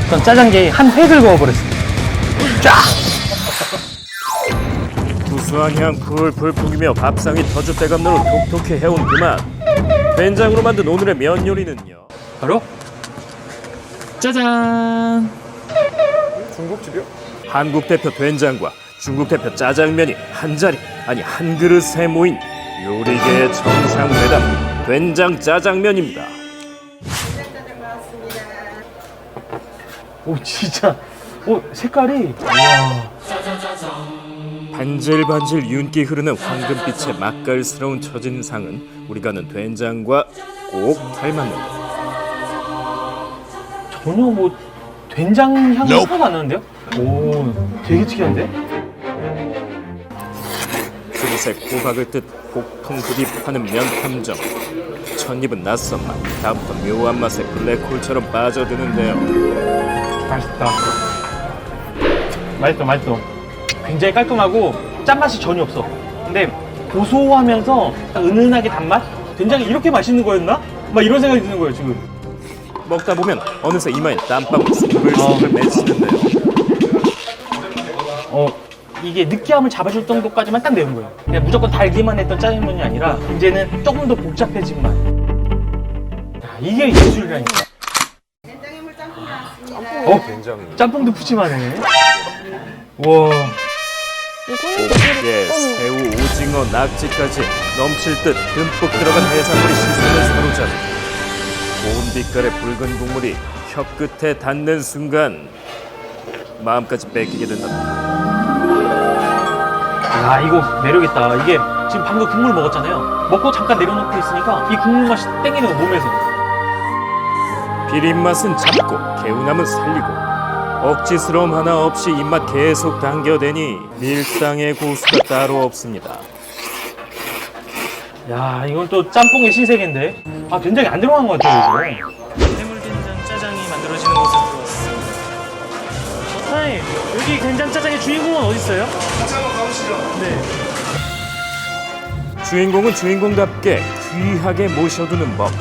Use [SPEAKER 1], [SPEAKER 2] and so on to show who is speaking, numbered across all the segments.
[SPEAKER 1] 있던 짜장게에 한 획을 그어버렸습니다. 쫙!
[SPEAKER 2] 구수한 향 풀풀 풍기며 밥상이 터줏대감로로 톡톡히 해온 그만. 된장으로 만든 오늘의 면 요리는요.
[SPEAKER 1] 바로 짜잔!
[SPEAKER 3] 중국집이요?
[SPEAKER 2] 한국 대표 된장과 중국 대표 짜장면이 한 자리, 아니 한 그릇에 모인 요리계의 정상 배달 된장 짜장면입니다.
[SPEAKER 1] 오 진짜 색깔이
[SPEAKER 2] 반질반질 윤기 흐르는 황금빛의 맛깔스러운 첫인상은 우리가 아는 된장과 꼭 닮았는데
[SPEAKER 1] 전혀 뭐 된장 향이 하나도 안 나는데요? 오 되게 특이한데?
[SPEAKER 2] 그릇에 호박을 뜯 폭풍 흡입하는 면 탐정. 첫입은 낯선 맛, 다음부터 묘한 맛에 블랙홀처럼 빠져드는데요.
[SPEAKER 1] 맛있어. 굉장히 깔끔하고 짠맛이 전혀 없어. 근데 고소하면서 은은하게 단맛? 된장이 이렇게 맛있는 거였나? 막 이런 생각이 드는 거예요 지금.
[SPEAKER 2] 먹다 보면 어느새 이마에 땀방울 스글스글 맺히는데요.
[SPEAKER 1] 이게 느끼함을 잡아줄 정도까지만 딱 내는 거예요. 그냥 무조건 달기만 했던 짜장면이 아니라 이제는 조금 더 복잡해진 맛. 야, 이게 예술이라니까.
[SPEAKER 4] 된장해물 짬뽕 나왔습니다.
[SPEAKER 3] 된장.
[SPEAKER 1] 짬뽕도 푸짐하네. 와.
[SPEAKER 2] 예, 새우, 오징어, 낙지까지 넘칠 듯 듬뿍 들어간 해산물이 시선을 사로잡고 고운 빛깔의 붉은 국물이 혀 끝에 닿는 순간 마음까지 뺏기게 된답니다.
[SPEAKER 1] 아 이거 매력있다. 이게 지금 방금 국물 먹었잖아요. 먹고 잠깐 내려놓고 있으니까 이 국물 맛이 땡기는 거 몸에서.
[SPEAKER 2] 비린맛은 잡고 개운함은 살리고 억지스러움 하나 없이 입맛 계속 당겨대니 밀당의 고수가 따로 없습니다.
[SPEAKER 1] 야 이건 또 짬뽕의 신세계인데. 아 된장이 안 들어간 것 같아요 이거. 해물된장 짜장이 만들어지는 곳에 들어왔습니다. 사장님 여기 된장짜장의 주인공은 어디 있어요?
[SPEAKER 3] 같이 한번 가보시죠.
[SPEAKER 1] 네.
[SPEAKER 2] 주인공은 주인공답게 귀하게 모셔두는 법.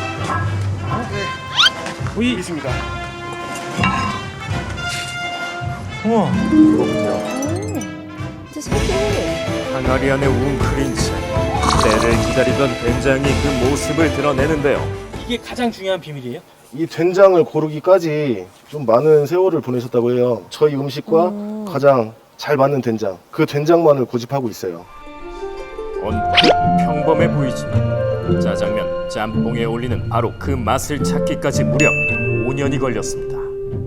[SPEAKER 1] 여기
[SPEAKER 3] 있습니다.
[SPEAKER 1] 우와.
[SPEAKER 5] 진짜 색이
[SPEAKER 2] 항아리 안에 웅크린 채 때를 기다리던 된장이 그 모습을 드러내는데요.
[SPEAKER 1] 이게 가장 중요한 비밀이에요?
[SPEAKER 6] 이 된장을 고르기까지 좀 많은 세월을 보내셨다고 해요. 저희 음식과 가장 잘 맞는 된장, 그 된장만을 고집하고 있어요.
[SPEAKER 2] 언뜻 평범해 보이지만 짜장면, 짬뽕에 어울리는 바로 그 맛을 찾기까지 무려 5년이 걸렸습니다.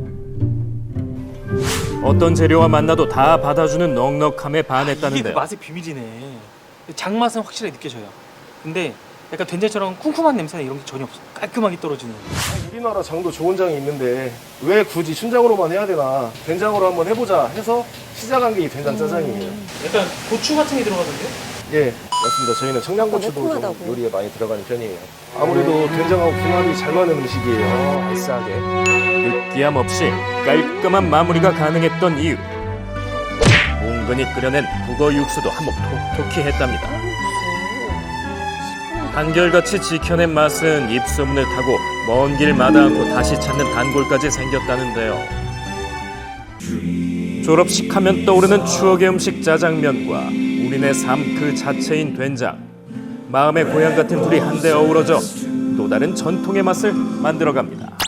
[SPEAKER 2] 어떤 재료와 만나도 다 받아주는 넉넉함에
[SPEAKER 1] 이게 그
[SPEAKER 2] 반했다는데요.
[SPEAKER 1] 맛의 비밀이네. 장맛은 확실하게 느껴져요. 근데 약간 된장처럼 쿰쿰한 냄새나 이런 게 전혀 없어. 깔끔하게 떨어지는.
[SPEAKER 6] 우리나라 장도 좋은 장이 있는데 왜 굳이 춘장으로만 해야 되나, 된장으로 한번 해보자 해서 시작한 게 이 된장 짜장이에요.
[SPEAKER 1] 약간 고추 같은 게 들어가던데요?
[SPEAKER 6] 예, 맞습니다. 저희는 청양고추도 좀
[SPEAKER 5] 매콤하다고.
[SPEAKER 6] 요리에 많이 들어가는 편이에요. 아무래도 된장하고 궁합이 잘 맞는 음식이에요. 알싸하게.
[SPEAKER 2] 느끼함 없이 깔끔한 마무리가 가능했던 이유. 뭉근히 끓여낸 북어 육수도 한몫 톡톡히 했답니다. 한결같이 지켜낸 맛은 입소문을 타고 먼 길 마다 않고 다시 찾는 단골까지 생겼다는데요. 졸업식 하면 떠오르는 추억의 음식 짜장면과 우리네 삶 그 자체인 된장. 마음의 고향 같은 둘이 한데 어우러져 또 다른 전통의 맛을 만들어갑니다.